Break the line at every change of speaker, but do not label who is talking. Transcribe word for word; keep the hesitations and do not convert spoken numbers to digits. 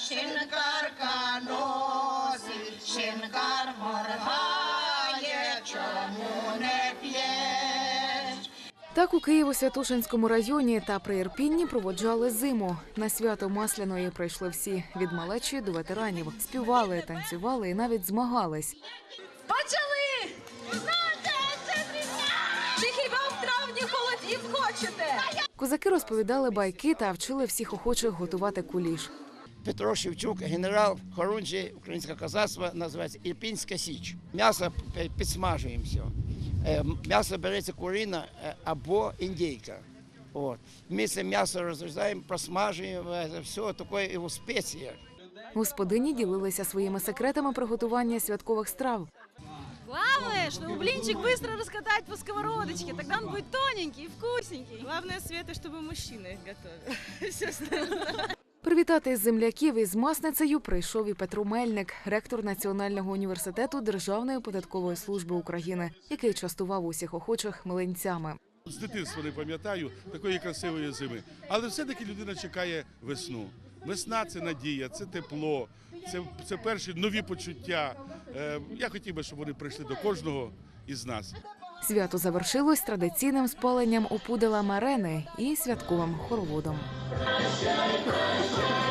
шинкарка носить, шинкар моргає, чому не п'єш?
Так у Києво-Святошинському районі та при Ірпінні проводжали зиму. На свято Масляної прийшли всі – від малечі до ветеранів. Співали, танцювали і навіть змагались.
Почали! Чи хіба в травні холодів хочете?
Козаки розповідали байки та вчили всіх охочих готувати куліш.
Петро Шевчук, генерал хорунжий українського козацтва, називається Ірпінська Січ. М'ясо підсмажуємо все. М'ясо береться курина або індійка. От. Вместе м'ясо розрізаємо, просмажуємо, все таке і у спеціях.
Господині ділилися своїми секретами приготування святкових страв.
Главное, чтобы блинчик быстро раскатать по сковородочке, тогда он будет тоненький и вкусненький.
Главное, Света, чтобы мужчины их готовили. Все остальное.
Привітати земляків із масницею прийшов і Петро Мельник, ректор Національного університету Державної податкової служби України, який частував усіх охочих млинцями.
З дитинства не пам'ятаю такої красивої зими, але все-таки людина чекає весну. Весна – це надія, це тепло, це, це перші нові почуття. Е, я хотів би, щоб вони прийшли до кожного із нас.
Свято завершилось традиційним спаленням опудала марени і святковим хороводом.